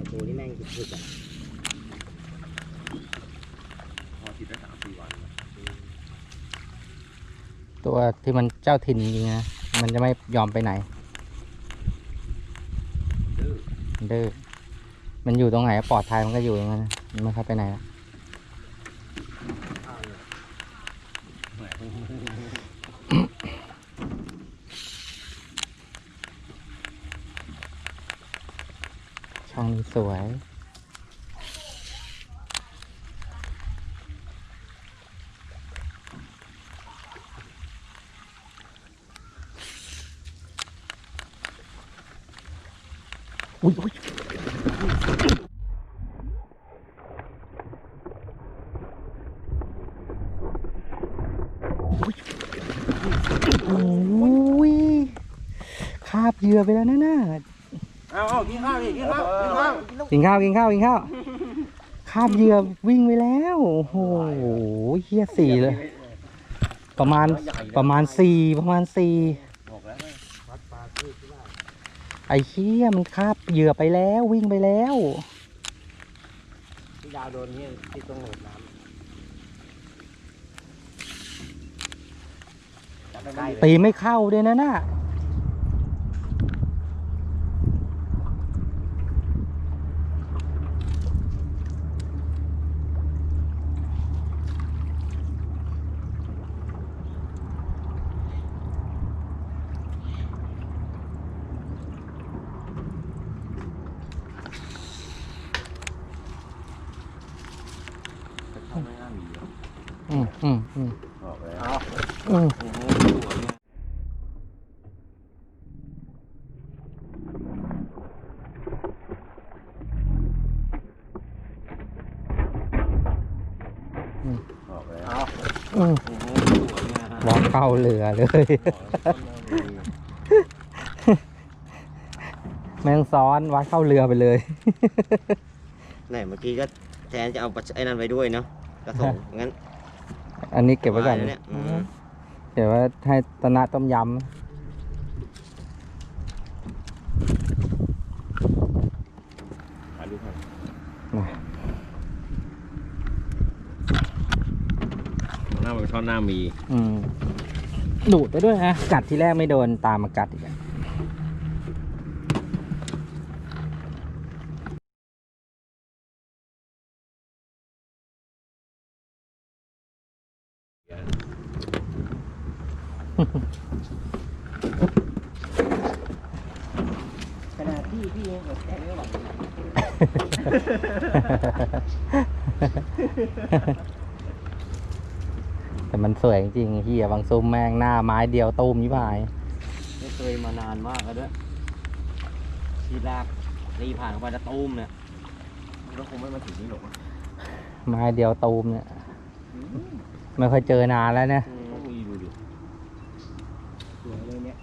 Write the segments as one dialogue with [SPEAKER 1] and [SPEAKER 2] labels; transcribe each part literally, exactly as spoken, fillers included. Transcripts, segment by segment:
[SPEAKER 1] ตัวนี่แม่งสุดๆอ่ะ
[SPEAKER 2] พอติดได้สามสี่วัน
[SPEAKER 3] ตัวที่มันเจ้าถิ่นจริงๆนะมันจะไม่ยอมไปไหนดื้อดื้อมันอยู่ตรงไหนปลอดภัยมันก็อยู่ตรงนั้นมันไม่เข้าไปไหนละช่องนี้สวยอุ้ยอุ้ยโอ้ยคาบเหยื่อไปแล้วนะน่ะ
[SPEAKER 2] เอาเอากินข้าวดิกินข้าวกินข้าว
[SPEAKER 3] กินข้าวกินข้าวกินข้าวคาบเหยื่อวิ่งไปแล้วโอ้โหเฮี้ยสี่เลยประมาณประมาณสี่ประมาณสี่ไอ้เชี่ยมันคาบเหยื่อไปแล้ววิ่งไปแล้ว
[SPEAKER 1] ที่ดาวโดนนี่ที่ตรงโหนดน้ำจับได้เลย
[SPEAKER 3] ตีไม่เข้าด้วยนะน่ะ
[SPEAKER 2] ไม่น่ามี
[SPEAKER 3] อืมอืมอืม
[SPEAKER 2] บอกเลย
[SPEAKER 3] อืมอืม
[SPEAKER 2] บอกเลย
[SPEAKER 3] อืมวางเข้าเรือเลยแมงซ้อนวัดเข้าเรือไปเลย
[SPEAKER 1] ไหนเมื่อกี้ก็แทนจะเอาไอ้นั่นไว้ด้วยเนาะกระสงงั้น
[SPEAKER 3] อันนี้เก็บไว้ก่อน
[SPEAKER 1] เนี่ยอืม
[SPEAKER 3] เดี๋ยวว่าให้ตนะต้มยำ
[SPEAKER 2] ถ่ายรูปให้
[SPEAKER 3] มา
[SPEAKER 2] หน้ามันช่อนหน้ามี
[SPEAKER 3] อืมดูดไปด้วยนะกัดที่แรกไม่โดนตามมากัดอีกอะ
[SPEAKER 1] ขนาดพี่พี่ยังอดแทนไม่ไหว
[SPEAKER 3] แต่มันสวยจริงๆเฮียบางซุ้มแม่งหน้าไม้เดียวตูมยี่พาย
[SPEAKER 1] ไม่เคยมานานมากแล้วด้วยทีแรกรีผ่านไปแล้วตูมเนี่ย
[SPEAKER 2] แล้วคงไม่มาถึงนี่หรอก
[SPEAKER 3] ไม้เดียวตูมเนี่ยไม่ค่อยเจอนานแล้วเนี่ย
[SPEAKER 2] ต้องมีดูดิ
[SPEAKER 1] สวยเลยเนี่ย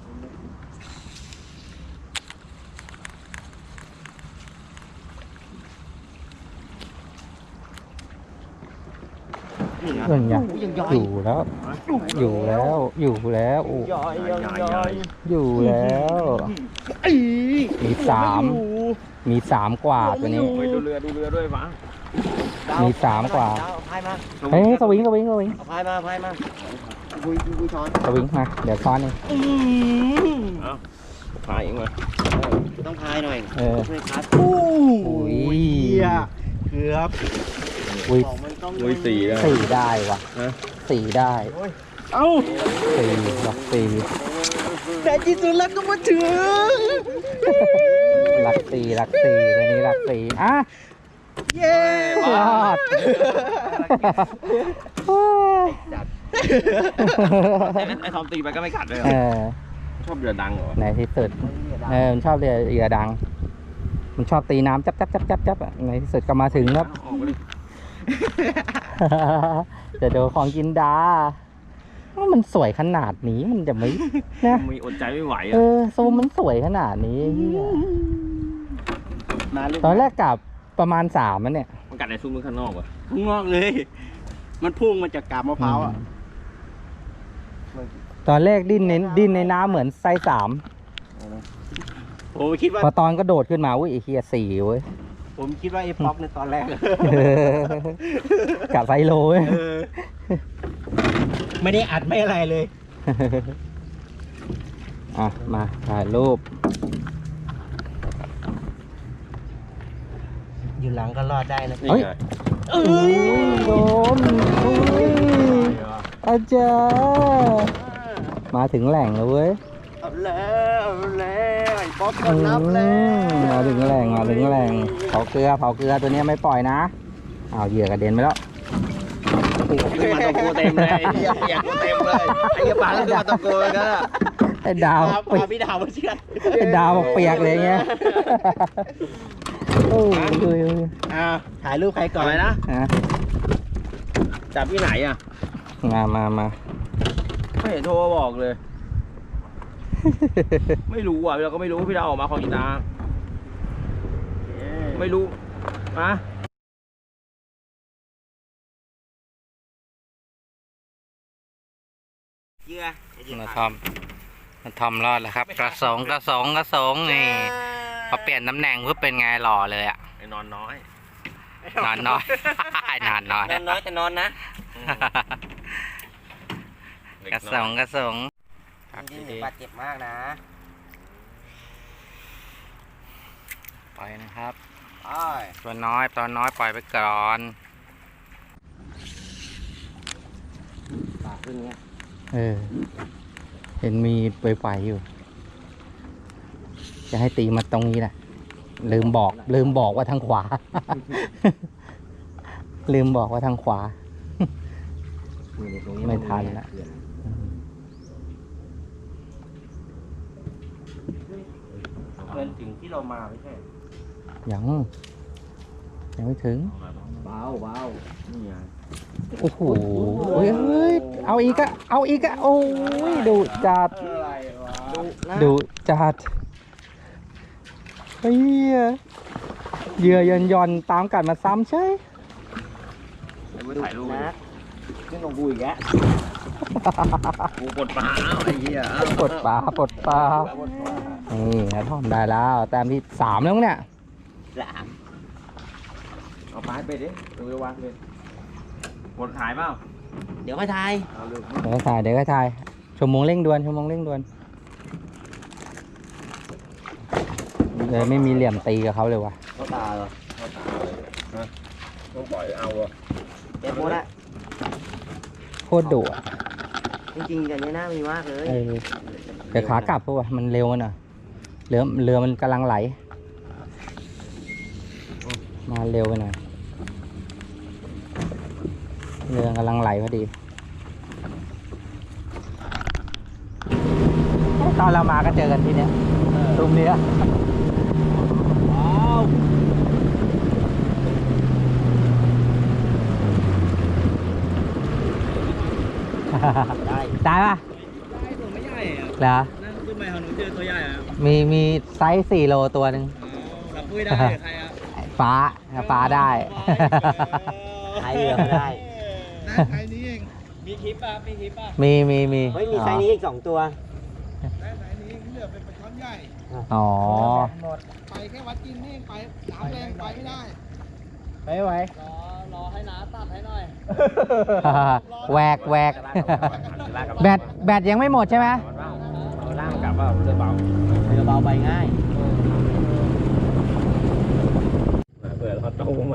[SPEAKER 1] นี่นะ
[SPEAKER 3] เรื่องใหญ่
[SPEAKER 1] ยังย่อย
[SPEAKER 3] อยู่แล้ว อยู่แล้ว อยู่แล้วโอ้
[SPEAKER 1] ย่อยย่อยย่อย
[SPEAKER 3] อยู่แล้ว มีสามมีสามกว่าตัวนี้
[SPEAKER 2] ไปดูเรือดูเรือด้วยมั้ง
[SPEAKER 3] มีสามกว่า
[SPEAKER 1] พายมา
[SPEAKER 3] เฮ้ยสวิงสวิงสวิง
[SPEAKER 1] เอาพายมาพายมาคุยคุยช้อน
[SPEAKER 3] สวิงมาเดี๋ยวซ้อนเอง
[SPEAKER 2] เอาพายเองมา
[SPEAKER 1] ต้องพายหน่อย
[SPEAKER 3] เออ
[SPEAKER 1] ช่วยคัด
[SPEAKER 3] อุ้ย
[SPEAKER 1] เกือบ
[SPEAKER 3] อุ้ย
[SPEAKER 1] ของมันต้อง
[SPEAKER 2] อุ้ยสี่แล้ว
[SPEAKER 3] สี่ได้ว่ะ
[SPEAKER 2] ฮะ
[SPEAKER 3] สี่ได้
[SPEAKER 1] เอ้า
[SPEAKER 3] สี่หลักสี่
[SPEAKER 1] แต่ที่สุดแล้วก็มาถึง
[SPEAKER 3] หลักสี่หลักสี่ตัวนี้หลักสี่อ่ะ
[SPEAKER 1] เย้
[SPEAKER 3] รอด
[SPEAKER 2] ไอ้ทอมตีไปก็ไม่กัดเลย
[SPEAKER 3] เออ
[SPEAKER 2] ชอบเรือดังเหรอ
[SPEAKER 3] ในที่สุดเออมันชอบเรือเรือดัง มันชอบตีน้ำจับจับจับจับจับอะในที่สุดก็มาถึงครับ
[SPEAKER 2] ออกไปเลย
[SPEAKER 3] จะโดนของกินดาว่ามันสวยขนาดนี้มันจะไม่นะ
[SPEAKER 2] มีอดใจไม่ไหว
[SPEAKER 3] เอ
[SPEAKER 2] อ่ะ
[SPEAKER 3] อซูมมันสวยขนาดนี้เหี้ย
[SPEAKER 1] มาลูก
[SPEAKER 3] ตอนแรกกลับประมาณสามมันเนี่ย
[SPEAKER 2] มันกัดในซุ้มมือข้างนอกวะ
[SPEAKER 1] พุ่งงอกเลย มันพุ่งมาจากกาบมะพร้าวอ่ะ
[SPEAKER 3] ตอนแรกดิ้นในดิ้นในน้ำเหมือนไซส์สาม
[SPEAKER 1] ผมคิดว่า
[SPEAKER 3] พอตอนก็โดดขึ้นมาอุ้ยไอ้เฮียสี่เว้ย
[SPEAKER 1] ผมคิดว่าไอ้ป๊อกในตอนแรก
[SPEAKER 3] กับไซโลเว้ย
[SPEAKER 1] เออไม่ได้อัดไม่อะไรเลย
[SPEAKER 3] อ่ะมาถ่ายรูป
[SPEAKER 1] อยู่หลังก็รอดได้นะ
[SPEAKER 2] นี่
[SPEAKER 3] เฮ้ย
[SPEAKER 2] ไง
[SPEAKER 3] โอ้ยโดนโอ้ยอาจารย์มาถึงแหล่งแล้วเว้ย
[SPEAKER 1] เอาแล้วเอาแล้วไอ้ป๊อกก็นับแล้ว
[SPEAKER 3] อืมมาถึงแหล่งมาถึงแหล่งเผาเกลือเผาเกลือตัวเนี้ยไม่ปล่อยนะเอาเหยื่อกระเด็นไปแล้ว
[SPEAKER 2] ขึ้นมาตะโกเต็มเลยไอ้เหี้ยเปียกเต็มเลยไอ้เหี้ยปลาก็ขึ้นมาตะโกเลยกันอะ
[SPEAKER 3] ไอ้ดาว
[SPEAKER 1] พา
[SPEAKER 3] เปีย
[SPEAKER 1] พาก พี่ดาวมาเชื่อด
[SPEAKER 3] ไอ้ดาวบอกเปียกเลยเงี้ยโอ้ยโอ้ยโอ้ย
[SPEAKER 1] อ่าถ่ายรูปใครก่อน
[SPEAKER 2] อะไรนะ
[SPEAKER 3] อ่ะ
[SPEAKER 2] จับที่ไหนอ่ะ
[SPEAKER 3] มามามา
[SPEAKER 2] ไม่เห็นโทรมาบอกเลย ไม่รู้อ่ะเราก็ไม่รู้พี่ดาวออกมาของอีนาไม่รู้อะ
[SPEAKER 1] เหยื่อ
[SPEAKER 3] มาทำมาทำรอดแล้วครับ กระสงกระสงกระสงนี่พอเปลี่ยนตำแหน่งเพื่อเป็นไงหล่อเลยอ่ะ
[SPEAKER 2] ไอ้นอนน้อย
[SPEAKER 3] นอนน้อย นอนน้อย
[SPEAKER 1] นอนน้อยแต่นอนนะ
[SPEAKER 3] กระสงกระสง
[SPEAKER 1] นี่หนึ่งบาดเจ็บมากนะ
[SPEAKER 3] ปล่อยนะครับ
[SPEAKER 1] อ้อย
[SPEAKER 3] ตัวน้อยตัวน้อยปล่อยไปก่อน
[SPEAKER 1] ปากขึ้นเงี้ย
[SPEAKER 3] เออ เห็นมีเปลยๆอยู่ จะให้ตีมาตรงนี้แหละลืมบอก ลืมบอกว่าทางขวา ลืมบอกว่าทางขวา ไม่ทันละ
[SPEAKER 1] เกินถึงที่เรามาไม่ใช่
[SPEAKER 3] ยังยังไม่ถึง
[SPEAKER 1] เบาเบา
[SPEAKER 2] นี่ไง
[SPEAKER 3] โอ้โหเฮ้ยเฮ้ยเอาอีกอะเอาอีกอะโอ้ยดูจัด
[SPEAKER 2] อะไรวะ
[SPEAKER 3] ดูจัดเฮ้ยเหยื่อยันยอนตามกัดมาซ้ำใช่
[SPEAKER 2] เดี๋ยวไปถ่ายรูป
[SPEAKER 1] นะขึ้นลงกูอีกแล้ว
[SPEAKER 2] กูกดปลาเอาไอ้เหี้ยเอา
[SPEAKER 3] ปลดปลาปลดปลานี่นะทอมได้แล้วแต้มที่สามแล้วมั้งเนี่ย
[SPEAKER 1] สาม
[SPEAKER 2] เอาปลาไปดิดูไปวางเลยกดถ่ายเปล่า
[SPEAKER 1] เดี๋ยวค่อยทาย
[SPEAKER 2] เอาเร็ว
[SPEAKER 3] เดี๋ยวก็ถ่ายเดี๋ยวก็ถ่ายชั่วโมงเร่งด่วนชั่วโมงเร่งด่วนเลยไม่มีเหลี่ยมตีกับเขาเลยวะ
[SPEAKER 1] เขาตาเหรอ
[SPEAKER 2] เข้าตาเลยฮะต้องปล่อยเอาอ่ะ
[SPEAKER 1] เจ็บหมดละ
[SPEAKER 3] โคตรดุอะ
[SPEAKER 1] จริงๆอย่างนี้น่ามีมากเลย
[SPEAKER 3] เออแต่ขากลับเพราะว่ามันเร็วน่ะเรือเรือมันกำลังไหล มาเร็วไปหน่อยเรือกำลังไหลพอดีตอนเรามาก็เจอกันที่เนี้ยตรงเนี้ย
[SPEAKER 1] ว้าว ได้
[SPEAKER 3] ได้ปะ
[SPEAKER 2] ได้ตัวไม่ใหญ่อ่ะ
[SPEAKER 3] เหรอ
[SPEAKER 2] นั่นขึ้นไปของหนูเจอตัวใหญ่อ่ะ
[SPEAKER 3] มีมีไซส์สี่โลตัวหนึ่ง
[SPEAKER 2] รับปุ้ยได้ใครอ่ะ
[SPEAKER 3] ฟ้าฟ้าได้
[SPEAKER 1] ทายเรือไม่ได้
[SPEAKER 2] ได้ไซส์นี้เองมีคลิปป่ะมีคลิปป่ะ
[SPEAKER 3] มีมีมี
[SPEAKER 1] เฮ้ยมีไซส์นี้อีกสองตัว
[SPEAKER 2] ได้ไซส์นี้เหลือเป็นปลาช่อนใหญ่
[SPEAKER 3] อ๋อ
[SPEAKER 1] หมด
[SPEAKER 2] ไปแค่วัดกินนี่ไปน้ำแรงไปไม่ได้
[SPEAKER 3] ไม่ไหว
[SPEAKER 2] รอรอให้น้าตัดให้หน่อย
[SPEAKER 3] แหวกแหวกแบตแบตยังไม่หมดใช่ไหม
[SPEAKER 2] ล่างกลับว่าเรือเบา
[SPEAKER 1] เรือเบาไปง่าย
[SPEAKER 2] เผื่อเราโตมา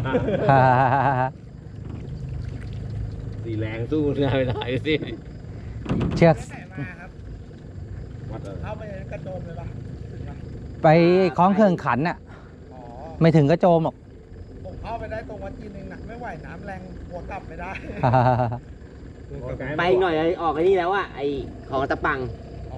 [SPEAKER 2] สีแรงสู้เรือไม่ได้สิ
[SPEAKER 3] เชือก
[SPEAKER 2] วัดเลย
[SPEAKER 4] เข้าไปในกระโจมเลยปะ
[SPEAKER 3] ไปคล้องเครื่องขันน่ะ
[SPEAKER 4] อ๋อ
[SPEAKER 3] ไม่ถึงก็โจมหรอก
[SPEAKER 4] ผมเข้าไปได้ตรงวัดจีนเองนะไม่ไหวน้ำแรงหัวกลับไม่ได้
[SPEAKER 1] ไปอีกหน่อยออกไอ้นี่แล้วอะไอของตะปัง
[SPEAKER 4] อ๋อ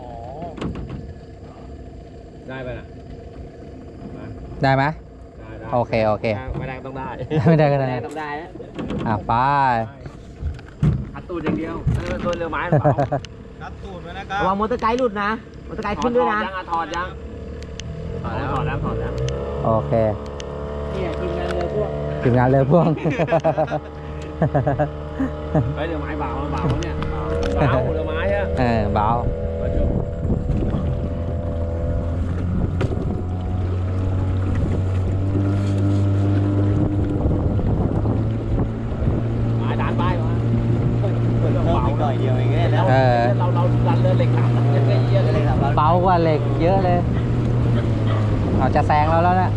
[SPEAKER 2] ได้ไปน่ะ
[SPEAKER 3] ได้ไหม
[SPEAKER 2] ได้ได้
[SPEAKER 3] โอเคโอเค
[SPEAKER 2] ไม่ได้ต้องได้
[SPEAKER 3] ไม่ได้ก็
[SPEAKER 1] แร
[SPEAKER 3] ได้
[SPEAKER 1] กต้องได้แล้ว
[SPEAKER 3] อ่ะไป
[SPEAKER 2] อัดตูดอย่างเดียวเออตัวเรือไม้หรือเปล่า
[SPEAKER 4] นัดตูดไว้นะครั
[SPEAKER 1] ระวัง
[SPEAKER 4] บ
[SPEAKER 1] มอเตอร์ไกด์หลุดนะมอเตอร์ไกด์ขึ้นด้วยนะ
[SPEAKER 2] ยังอ่ะถอดยังถอดแล้วถอดแล้วถอดแล้ว
[SPEAKER 3] โอเค
[SPEAKER 1] เนี่ยทีมงานเรือพวก
[SPEAKER 3] ถึงงานเลยพ่วง
[SPEAKER 2] เฮ้ยเรือไม้เบาเบาเนี่ยเบาเรือไม้อะ
[SPEAKER 3] เออเบา
[SPEAKER 2] มาเดี๋ยว
[SPEAKER 3] เหล็กเยอะเลยเอาจะแซงเราแล้วนะ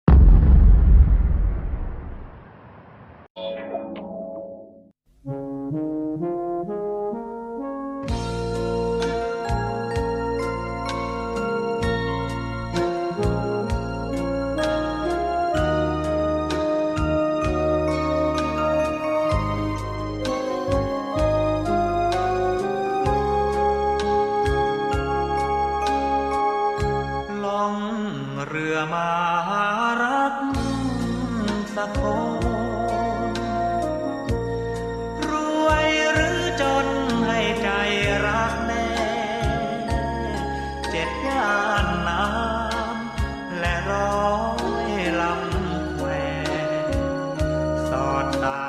[SPEAKER 5] เรือมาหารักสักคนรวยหรือจนให้ใจรักแน่เจ็ดย่านน้ำและร้อยลำแควสอดตา